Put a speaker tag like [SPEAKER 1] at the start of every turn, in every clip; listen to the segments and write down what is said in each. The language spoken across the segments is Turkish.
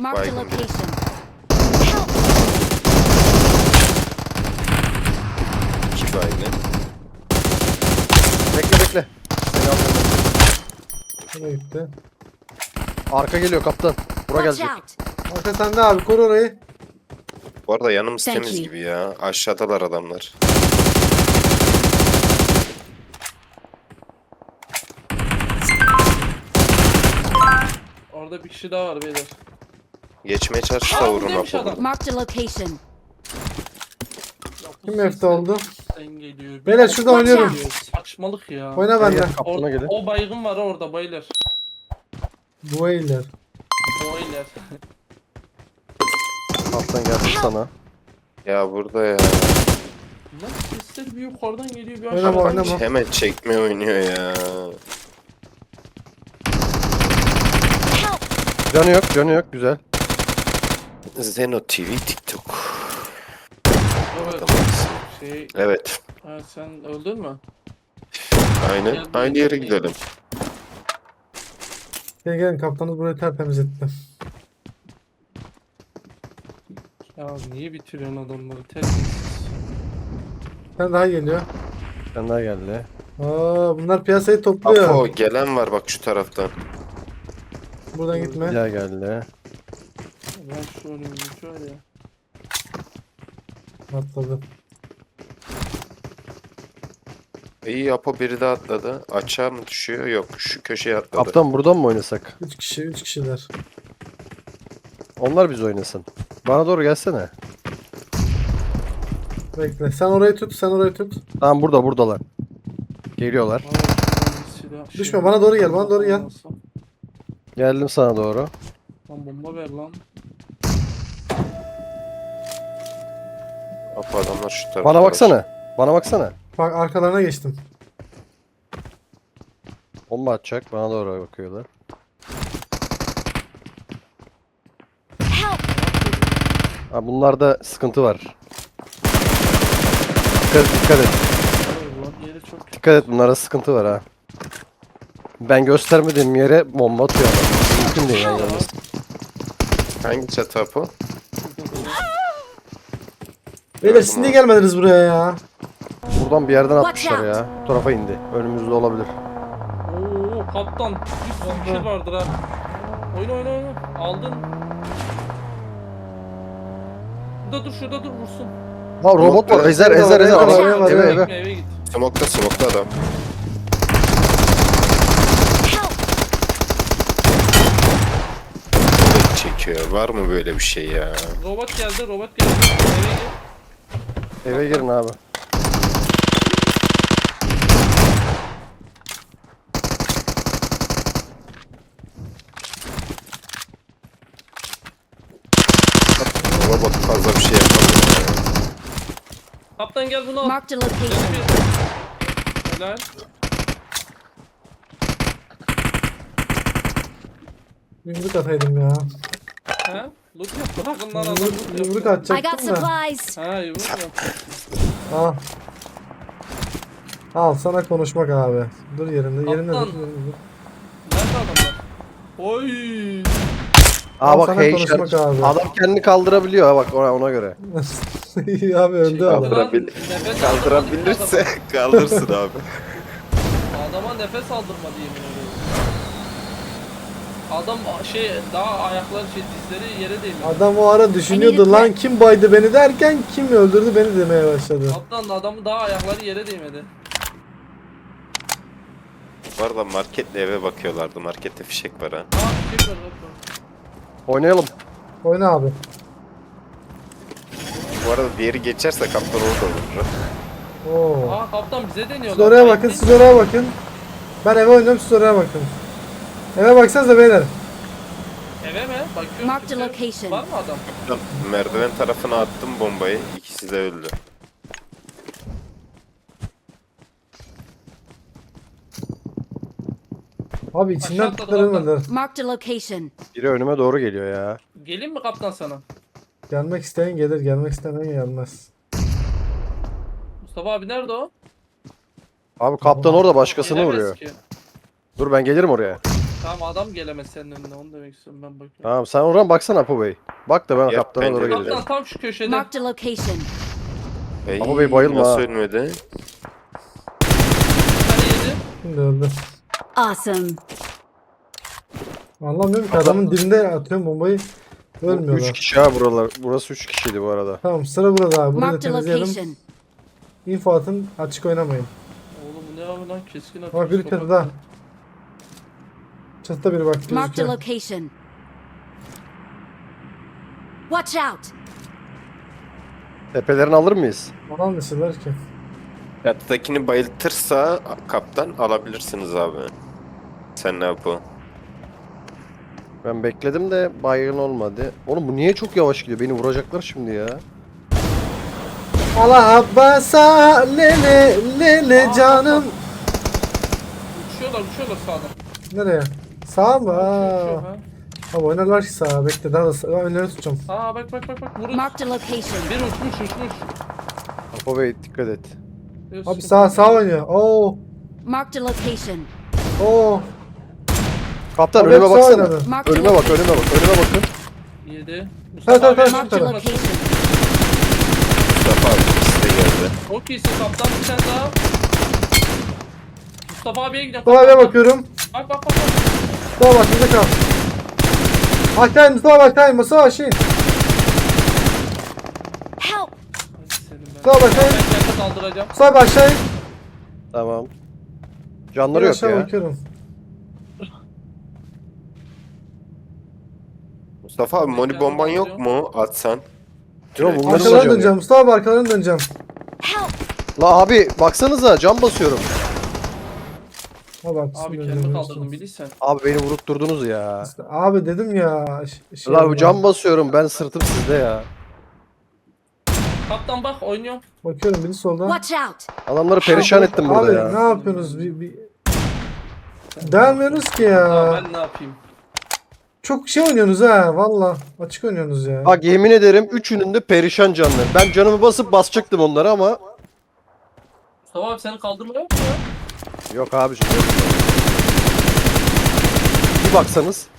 [SPEAKER 1] Marked a
[SPEAKER 2] Baygın bir.
[SPEAKER 1] location.
[SPEAKER 2] İki baygın.
[SPEAKER 3] Bekle bekle. Seni alacağım.
[SPEAKER 4] Nereye gitti?
[SPEAKER 3] Arka geliyor kaptan. Bura
[SPEAKER 1] Watch
[SPEAKER 3] gelecek.
[SPEAKER 1] out.
[SPEAKER 4] Arka sende abi, koru orayı.
[SPEAKER 2] Bu arada yanımız
[SPEAKER 1] Thank
[SPEAKER 2] temiz
[SPEAKER 1] you.
[SPEAKER 2] gibi ya. Aşağıdalar adamlar.
[SPEAKER 5] Orada bir kişi daha var beyler.
[SPEAKER 2] Geçmeye çalışırsa
[SPEAKER 5] Aa,
[SPEAKER 2] vurun
[SPEAKER 5] buradaymış
[SPEAKER 2] Apo.
[SPEAKER 5] adam.
[SPEAKER 1] Marked a location.
[SPEAKER 5] Ya bu
[SPEAKER 4] Kim F'de oldu?
[SPEAKER 5] sesten geliyor.
[SPEAKER 4] Beyler şurada
[SPEAKER 1] Watch
[SPEAKER 4] oynuyorum.
[SPEAKER 1] out.
[SPEAKER 5] Saçmalık ya.
[SPEAKER 4] Oyna bende.
[SPEAKER 3] Kaptana gelin.
[SPEAKER 5] O baygın var orada bayılır.
[SPEAKER 4] Bu eyler.
[SPEAKER 5] O iler.
[SPEAKER 3] Kaptan geldi sana.
[SPEAKER 2] Ya burada ya.
[SPEAKER 5] Lan sesler bir yukarıdan geliyor bir
[SPEAKER 4] Oynama,
[SPEAKER 5] aşağıdan.
[SPEAKER 4] oynama.
[SPEAKER 2] Hemen çekme oynuyor ya.
[SPEAKER 3] Canı yok canı yok güzel.
[SPEAKER 2] Zeno TV TikTok.
[SPEAKER 5] Evet. Şey,
[SPEAKER 2] Evet.
[SPEAKER 5] ha, sen öldün mü?
[SPEAKER 2] Aynen. Aynı yere gidelim.
[SPEAKER 4] Gelin gelin, kaptanız burayı tertemiz etti.
[SPEAKER 5] Ya niye bitiriyorsun adamları? Terbiyesiz.
[SPEAKER 4] Sen daha geliyor.
[SPEAKER 3] Sen daha geldi.
[SPEAKER 4] Aa, bunlar piyasayı topluyor.
[SPEAKER 2] Apo gelen var bak şu taraftan.
[SPEAKER 4] Buradan gitme.
[SPEAKER 3] Bir daha geldi.
[SPEAKER 5] Ben şu önümü şöyle.
[SPEAKER 4] Atladı.
[SPEAKER 2] İyi Apo biri daha atladı. Açığa mı düşüyor? Yok şu köşeye atladı.
[SPEAKER 3] Kaptan buradan mı oynasak?
[SPEAKER 4] 3 kişi, 3 kişiler.
[SPEAKER 3] Onlar biz oynasın. Bana doğru gelsene.
[SPEAKER 4] Bekle. Sen orayı tut, sen orayı tut.
[SPEAKER 3] Tamam buradalar. Geliyorlar.
[SPEAKER 5] Aa, şuradan bir silah şey-
[SPEAKER 4] Düşme, bana doğru gel, bana doğru gel.
[SPEAKER 3] Geldim sana doğru.
[SPEAKER 5] Lan bomba ver lan.
[SPEAKER 2] Apo adamlar şu tarafta.
[SPEAKER 3] Bana baksana. Bana baksana.
[SPEAKER 4] Bak arkalarına geçtim.
[SPEAKER 3] Bomba atacak. Bana doğru bakıyorlar.
[SPEAKER 1] Help.
[SPEAKER 3] Ha, bunlarda sıkıntı var. Dikkat et.
[SPEAKER 5] Lan yeri çok
[SPEAKER 3] Dikkat et bunlarda sıkıntı var ha. Ben göstermediğim yere bomba atıyor adam. Mümkün değil yani. yalnız.
[SPEAKER 2] Hangi çatı Apo?
[SPEAKER 4] Beyler siz niye gelmediniz buraya ya?
[SPEAKER 3] Buradan bir yerden
[SPEAKER 1] Watch
[SPEAKER 3] atmışlar
[SPEAKER 1] out.
[SPEAKER 3] ya. Bu tarafa indi. Önümüzde olabilir.
[SPEAKER 5] Oo kaptan bir sürü kill vardır ha. Oyna oyna oyna. Aldın. Şurada dur vursun.
[SPEAKER 3] Ha robot var. Ezer.
[SPEAKER 4] Var, var,
[SPEAKER 3] Eve
[SPEAKER 4] var.
[SPEAKER 3] eve.
[SPEAKER 5] Eve git.
[SPEAKER 2] Smoke'ta adam.
[SPEAKER 1] Help.
[SPEAKER 2] Kılıç çekiyor. Var mı böyle bir şey ya?
[SPEAKER 5] Robot geldi. Eve git.
[SPEAKER 3] Eve girin abi.
[SPEAKER 2] Robot fazla bir şey yapamıyor ya.
[SPEAKER 5] Kaptan gel bunu al.
[SPEAKER 1] Marked a location.
[SPEAKER 5] Helal.
[SPEAKER 4] Yumruk ataydım ya.
[SPEAKER 5] He? Loot yap. Bırakın lan adam.
[SPEAKER 4] Yumruk
[SPEAKER 1] I got
[SPEAKER 4] atacaktım da.
[SPEAKER 1] supplies.
[SPEAKER 5] Ha yumruk yap.
[SPEAKER 4] Al. Al sana konuşmak abi. Dur yerinde. Yerinde
[SPEAKER 5] Kaptan.
[SPEAKER 4] dur. Yerinde dur.
[SPEAKER 5] Nerede adamlar? Oy.
[SPEAKER 3] Aa
[SPEAKER 4] Al
[SPEAKER 3] bak
[SPEAKER 4] sana
[SPEAKER 3] hey
[SPEAKER 4] konuşmak abi.
[SPEAKER 3] adam kendini kaldırabiliyor ha bak ona göre.
[SPEAKER 4] İyi abi öldü
[SPEAKER 5] Şey,
[SPEAKER 4] adam.
[SPEAKER 2] Kaldırabil-
[SPEAKER 5] Nefes
[SPEAKER 2] Kaldırabilirse kaldırsın abi.
[SPEAKER 5] Adama nefes aldırmadı yemin ediyorum. Adam şey daha ayakları dizleri yere değmedi.
[SPEAKER 4] Adam o ara düşünüyordu lan kim baydı beni derken kim öldürdü beni demeye başladı.
[SPEAKER 5] Kaptan adamın daha ayakları yere değmedi.
[SPEAKER 2] Bu arada marketle eve bakıyorlardı. Markette fişek var ha.
[SPEAKER 5] Aa şey var bak.
[SPEAKER 3] Oynayalım.
[SPEAKER 4] Oyna abi.
[SPEAKER 2] Bu arada diğeri geçerse kaptan orada olur.
[SPEAKER 4] Oo.
[SPEAKER 5] Aa kaptan bize deniyorlar.
[SPEAKER 4] Siz oraya bakın,
[SPEAKER 5] Bekleyin.
[SPEAKER 4] siz oraya bakın. Ben eve oynuyorum, siz oraya bakın. Eve baksanıza beyler.
[SPEAKER 5] Eve mi? Bakıyorum.
[SPEAKER 1] Marked
[SPEAKER 5] kimse-
[SPEAKER 1] location.
[SPEAKER 5] Var mı adam?
[SPEAKER 2] Merdiven tarafına attım bombayı. İkisi de öldü.
[SPEAKER 4] Abi içinden
[SPEAKER 5] Aşağı atladı,
[SPEAKER 4] tutturamadılar.
[SPEAKER 1] Marked a location.
[SPEAKER 3] Biri önüme doğru geliyor ya.
[SPEAKER 5] Gelin mi kaptan sana?
[SPEAKER 4] Gelmek isteyen gelir, gelmek istemeyen gelmez.
[SPEAKER 5] Mustafa abi nerede o?
[SPEAKER 3] Abi kaptan orada başkasını
[SPEAKER 5] Gelemez
[SPEAKER 3] vuruyor.
[SPEAKER 5] ki.
[SPEAKER 3] Dur ben gelirim oraya.
[SPEAKER 5] Tamam adam gelemez senin önüne onu demek istiyorum ben bakıyorum.
[SPEAKER 3] Tamam sen oradan baksana Apo Bey. Bak da ben
[SPEAKER 2] Yap,
[SPEAKER 3] kaptana doğru
[SPEAKER 2] bence de.
[SPEAKER 3] geleceğim.
[SPEAKER 5] Kaptan tam şu köşede.
[SPEAKER 1] Marked a location.
[SPEAKER 2] Ey,
[SPEAKER 3] Ama bey bayılma
[SPEAKER 2] nasıl
[SPEAKER 3] ha.
[SPEAKER 2] ölmedi?
[SPEAKER 5] Hani yedi.
[SPEAKER 4] Şimdi öldü.
[SPEAKER 1] Awesome.
[SPEAKER 4] Anlamıyorum ki adamın dibinde atıyorum bombayı.
[SPEAKER 3] 3
[SPEAKER 4] Ölmüyorlar.
[SPEAKER 3] kişi ha buralar. Burası 3 kişiydi bu arada.
[SPEAKER 4] Tamam sıra burada abi. Burayı da
[SPEAKER 1] Marked a
[SPEAKER 4] temizleyelim.
[SPEAKER 1] location.
[SPEAKER 4] Info atın. Açık oynamayın.
[SPEAKER 5] Oğlum bu ne abi lan keskin atıyor.
[SPEAKER 4] Bak biri
[SPEAKER 5] Mustafa.
[SPEAKER 4] çatıda. Çatıda biri bak
[SPEAKER 1] Marked a
[SPEAKER 4] gözüküyor.
[SPEAKER 1] location. Watch out.
[SPEAKER 3] Tepelerini alır mıyız?
[SPEAKER 4] Alan dışılar ki.
[SPEAKER 2] Çatıdakini bayıltırsa kaptan alabilirsiniz abi. Sen ne yapı?
[SPEAKER 3] Ben bekledim de baygın olmadı. Oğlum bu niye çok yavaş gidiyor? Beni vuracaklar şimdi ya.
[SPEAKER 4] Allah Abbas'a lele lele canım.
[SPEAKER 5] Uçuyorlar sağdan.
[SPEAKER 4] Nereye? Sağa mı?
[SPEAKER 5] Uçuyor,
[SPEAKER 4] Aa.
[SPEAKER 5] ha.
[SPEAKER 4] Abi oynarlar ki sağa. Bekle daha da sağa. Önleri tutacağım.
[SPEAKER 5] Aa bak vurun.
[SPEAKER 1] Marked a location.
[SPEAKER 5] Bir uçmuş.
[SPEAKER 3] Apo Bey dikkat et.
[SPEAKER 5] Bir
[SPEAKER 4] Abi sağ oynuyor. Oo.
[SPEAKER 1] Marked a location.
[SPEAKER 4] Oo.
[SPEAKER 3] Kaptan
[SPEAKER 4] Abi
[SPEAKER 3] önüme
[SPEAKER 4] hep sağ
[SPEAKER 3] baksana.
[SPEAKER 4] oynadı.
[SPEAKER 1] Marked a
[SPEAKER 3] Önüme bak,
[SPEAKER 1] location.
[SPEAKER 3] önüme bak, önüme bakın.
[SPEAKER 5] Yedi.
[SPEAKER 4] Evet,
[SPEAKER 5] Mustafa
[SPEAKER 4] evet,
[SPEAKER 5] abi
[SPEAKER 1] Marked a
[SPEAKER 4] evet.
[SPEAKER 1] location.
[SPEAKER 2] Mustafa abi ikisi de geldi.
[SPEAKER 5] Çok iyisin kaptan bir tane daha. Mustafa abiye gidelim.
[SPEAKER 4] Mustafa abiye bakıyorum.
[SPEAKER 5] Bak.
[SPEAKER 4] Mustafa bak bizde kal. Aşağı in Mustafa aşağı in. Mustafa aşağı in.
[SPEAKER 1] Help.
[SPEAKER 5] Senin ben.
[SPEAKER 4] Mustafa bak aşağı in.
[SPEAKER 5] Ben kendimi kaldıracağım.
[SPEAKER 4] Mustafa abi aşağı in.
[SPEAKER 3] Tamam.
[SPEAKER 4] Ben
[SPEAKER 3] Canları yok
[SPEAKER 4] aşağı
[SPEAKER 3] ya.
[SPEAKER 4] bakıyorum.
[SPEAKER 2] Mustafa abi moni bomban yok mu? Atsan.
[SPEAKER 3] Yok bunların da
[SPEAKER 4] Arkalarını
[SPEAKER 3] canı
[SPEAKER 4] döneceğim.
[SPEAKER 3] yok.
[SPEAKER 4] Mustafa abi arkalarını döneceğim.
[SPEAKER 1] Help.
[SPEAKER 3] La abi baksanıza cam basıyorum.
[SPEAKER 4] Ha bak.
[SPEAKER 5] Abi
[SPEAKER 4] bismillah,
[SPEAKER 5] kendimi
[SPEAKER 4] biliyorsun.
[SPEAKER 5] kaldırdım bilirsen.
[SPEAKER 3] Abi beni vurup durdunuz ya.
[SPEAKER 4] İşte abi dedim ya.
[SPEAKER 3] La bu
[SPEAKER 4] yapma.
[SPEAKER 3] cam basıyorum ben sırtım sizde ya.
[SPEAKER 5] Kaptan bak oynuyor.
[SPEAKER 4] Bakıyorum biri solda.
[SPEAKER 1] Watch out.
[SPEAKER 3] Adamları perişan ettim burada
[SPEAKER 4] Abi
[SPEAKER 3] ya.
[SPEAKER 4] ne yapıyorsunuz? Delmiyorsunuz ki ya.
[SPEAKER 5] Ben ne yapayım?
[SPEAKER 4] Çok şey oynuyorsunuz ha valla. Açık oynuyorsunuz ya.
[SPEAKER 3] Bak yemin ederim üçünün de perişan canlı. Ben canımı basıp basacaktım onları ama
[SPEAKER 5] Mustafa abi seni kaldırmaya yok mu ya?
[SPEAKER 3] yok abiciğim. Yok. Bir baksanız.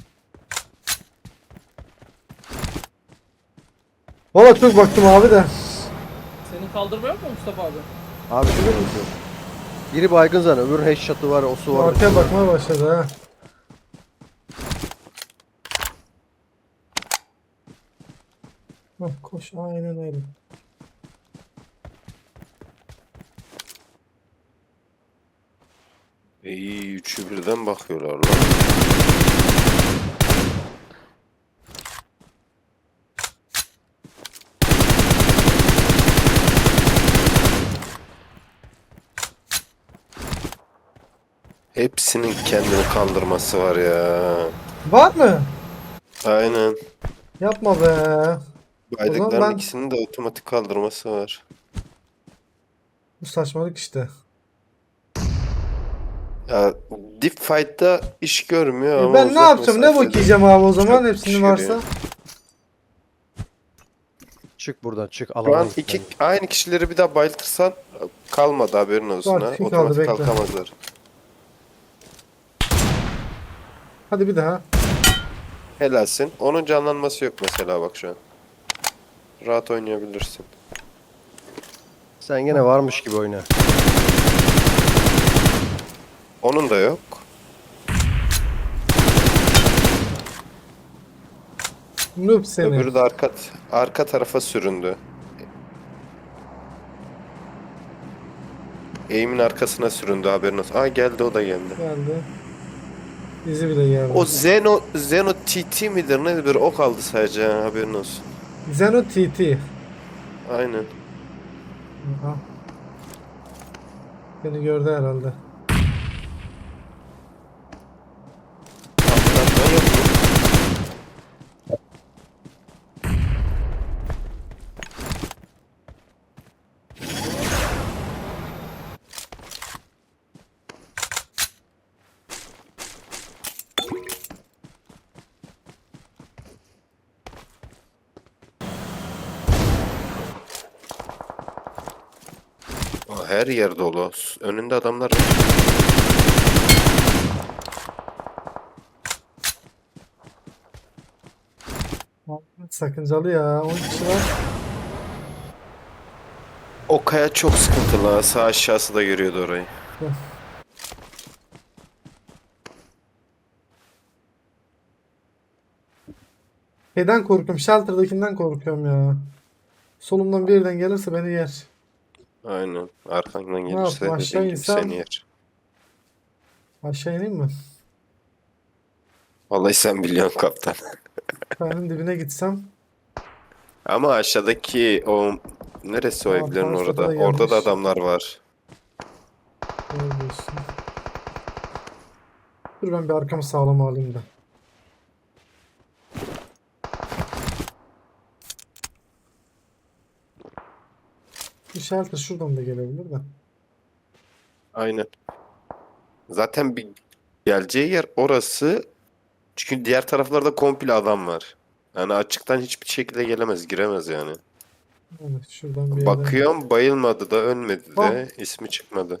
[SPEAKER 4] Valla çok baktım abi de.
[SPEAKER 5] Seni kaldırmaya yok mu Mustafa abi?
[SPEAKER 3] Abiciğim yok. Biri baygın zaten öbürünün headshot'ı var, o su var.
[SPEAKER 4] Arkaya bakmaya başladı ha. Hah, koş aynen öyle.
[SPEAKER 2] İyi üçü birden bakıyorlar lan. Hepsinin kendini kaldırması var ya.
[SPEAKER 4] Var mı?
[SPEAKER 2] Aynen.
[SPEAKER 4] Yapma be.
[SPEAKER 2] Baydıkların
[SPEAKER 4] ben-
[SPEAKER 2] ikisinin de otomatik kaldırması var.
[SPEAKER 4] Bu saçmalık işte.
[SPEAKER 2] Ya Deep Fight'ta iş görmüyor ama
[SPEAKER 4] Ben ne
[SPEAKER 2] uzak
[SPEAKER 4] yapacağım? Ne
[SPEAKER 2] mesafede
[SPEAKER 4] bakacağım abi o zaman
[SPEAKER 2] çok
[SPEAKER 4] hepsinin
[SPEAKER 2] iş
[SPEAKER 4] varsa.
[SPEAKER 2] görüyor.
[SPEAKER 3] Çık buradan çık
[SPEAKER 2] Şu an
[SPEAKER 3] alamayız.
[SPEAKER 2] iki aynı kişileri bir daha bayıltırsan kalmadı haberin olsun
[SPEAKER 4] Var,
[SPEAKER 2] ha.
[SPEAKER 4] kim kaldı,
[SPEAKER 2] Otomatik
[SPEAKER 4] bekle.
[SPEAKER 2] kalkamazlar.
[SPEAKER 4] Hadi bir daha.
[SPEAKER 2] Helalsin. Onun canlanması yok mesela bak şu an. Rahat oynayabilirsin.
[SPEAKER 3] Sen gene varmış gibi oyna.
[SPEAKER 2] Onun da yok.
[SPEAKER 4] Noob seni.
[SPEAKER 2] Öbürü de arka tarafa süründü. Eğimin arkasına süründü haberin olsun. Aa geldi o da geldi.
[SPEAKER 4] Geldi. Bizi bile geldi.
[SPEAKER 2] O Zeno TT midir nedir o kaldı sadece ha, haberin olsun.
[SPEAKER 4] Zeno TT.
[SPEAKER 2] Aynen.
[SPEAKER 4] Aha. Beni gördü herhalde.
[SPEAKER 2] Atlatma yok mu? Aa, her yer dolu. Önünde adamlar var.
[SPEAKER 4] Sakıncalı ya. 10 kişi var.
[SPEAKER 2] O kaya çok sıkıntılı ha. Sağ aşağısı da görüyordu orayı.
[SPEAKER 4] Şeyden korkuyorum. Shelter'dakinden korkuyorum ya. Solumdan birden gelirse beni yer.
[SPEAKER 2] Aynen. Arkandan
[SPEAKER 4] Ne
[SPEAKER 2] gelirse
[SPEAKER 4] yapayım, aşağı
[SPEAKER 2] dediğin gibi
[SPEAKER 4] insem?
[SPEAKER 2] seni yer.
[SPEAKER 4] Aşağı ineyim mi?
[SPEAKER 2] Vallahi sen biliyorsun kaptan.
[SPEAKER 4] Kayanın dibine gitsem.
[SPEAKER 2] Ama aşağıdaki o neresi o
[SPEAKER 4] Aa,
[SPEAKER 2] evlerin
[SPEAKER 4] paraşütle
[SPEAKER 2] orada?
[SPEAKER 4] de
[SPEAKER 2] Orada da
[SPEAKER 4] gelmiş.
[SPEAKER 2] adamlar var.
[SPEAKER 4] Doğru diyorsun. Dur ben bir arkamı sağlam alayım da. Bir shelter şuradan da gelebilir de.
[SPEAKER 2] Aynen. Zaten bir geleceği yer orası. Çünkü diğer taraflarda komple adam var. Yani açıktan hiçbir şekilde gelemez, giremez yani.
[SPEAKER 4] Evet, şuradan bir yerden.
[SPEAKER 2] Bakıyorum bayılmadı da ölmedi
[SPEAKER 4] Ah.
[SPEAKER 2] de ismi çıkmadı.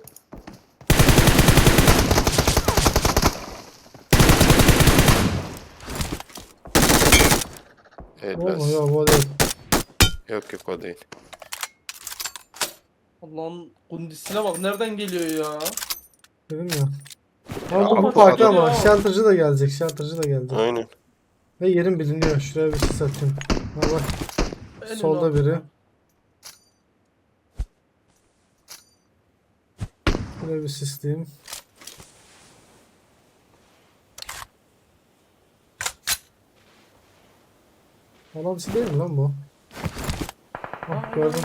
[SPEAKER 4] Olma
[SPEAKER 2] Helal.
[SPEAKER 4] ya bu değil.
[SPEAKER 2] Yok yok o değil.
[SPEAKER 5] Allah'ın kundisine bak nereden geliyor ya?
[SPEAKER 4] Dedim ya.
[SPEAKER 2] Ya,
[SPEAKER 4] Ama bu
[SPEAKER 2] Allah
[SPEAKER 4] farklı
[SPEAKER 2] Allah.
[SPEAKER 4] ama shelter'cı da gelecek. Shelter'cı da gelecek.
[SPEAKER 2] Aynen.
[SPEAKER 4] Ve yerim biliniyor. Şuraya bir sis atayım. Ha bak.
[SPEAKER 5] Elini
[SPEAKER 4] Solda
[SPEAKER 5] al.
[SPEAKER 4] biri. Şuraya bir sisleyeyim. Alamsı değil mi lan bu? Ah, gördüm.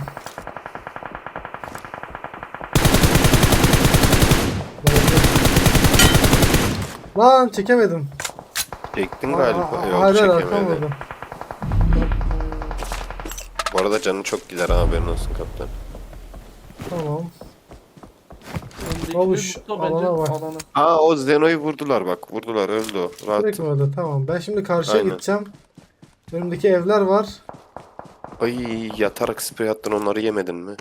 [SPEAKER 4] Lan çekemedim.
[SPEAKER 2] Çektin galiba. Yok
[SPEAKER 4] Hayır hayır
[SPEAKER 2] çekemedi.
[SPEAKER 4] atamadım.
[SPEAKER 2] Bu arada canın çok gider ha, haberin olsun kaptan.
[SPEAKER 4] Tamam.
[SPEAKER 5] Öndeki
[SPEAKER 4] Babuş,
[SPEAKER 5] bir mutlu bence
[SPEAKER 4] alana bak.
[SPEAKER 5] alana.
[SPEAKER 2] Aa o Zeno'yu vurdular bak. Vurdular öldü o. Rahat.
[SPEAKER 4] Direkt mi öyle? Tamam. Ben şimdi karşıya
[SPEAKER 2] Aynen.
[SPEAKER 4] gideceğim. Önümdeki evler var.
[SPEAKER 2] Ay yatarak sprey attın, onları yemedin mi?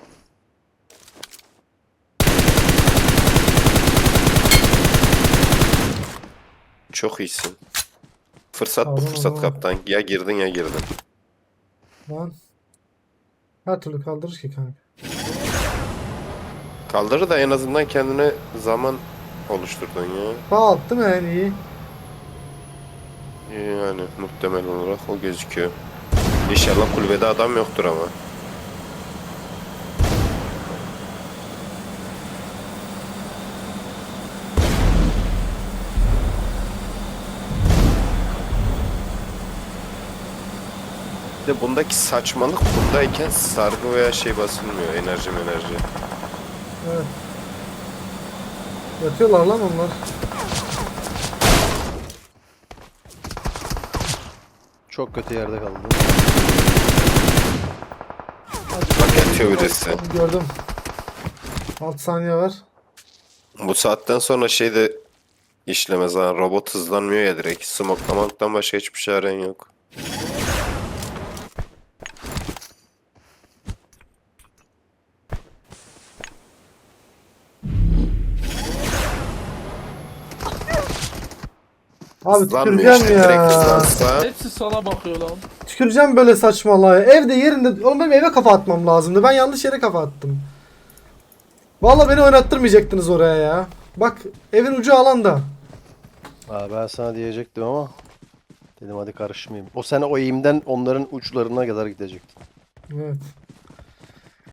[SPEAKER 2] Çok iyisin. Fırsat bu
[SPEAKER 4] Tamam,
[SPEAKER 2] fırsat
[SPEAKER 4] tamam.
[SPEAKER 2] kaptan. Ya girdin ya girdin.
[SPEAKER 4] Lan. Her türlü kaldırır ki kanka.
[SPEAKER 2] Kaldırır da en azından kendine zaman oluşturdun ya.
[SPEAKER 4] Bağ attım en iyi.
[SPEAKER 2] Yani muhtemel olarak o gözüküyor. İnşallah kulübede adam yoktur ama. Bir de bundaki saçmalık, bundayken sargı veya şey basılmıyor. Enerji.
[SPEAKER 4] Evet. Yatıyorlar lan onlar.
[SPEAKER 3] Çok kötü yerde kaldı.
[SPEAKER 2] Bak yatıyor birisi.
[SPEAKER 4] Gördüm. 6 saniye var.
[SPEAKER 2] Bu saatten sonra şey de işlemez ha. Robot hızlanmıyor ya direkt. Smoklamaktan başka hiçbir çaren yok.
[SPEAKER 4] Abi
[SPEAKER 2] Hızlanmıyor
[SPEAKER 4] tüküreceğim
[SPEAKER 2] işte, direkt
[SPEAKER 4] ya.
[SPEAKER 2] hızlansa.
[SPEAKER 5] Hepsi sana bakıyor lan.
[SPEAKER 4] Tüküreceğim böyle saçmalığa. Evde yerinde. Oğlum benim eve kafa atmam lazımdı. Ben yanlış yere kafa attım. Vallahi beni oynattırmayacaktınız oraya ya. Bak evin ucu alanda.
[SPEAKER 3] Aa, ben sana diyecektim ama dedim hadi karışmayayım. O sene o eğimden onların uçlarına kadar gidecektin.
[SPEAKER 4] Evet.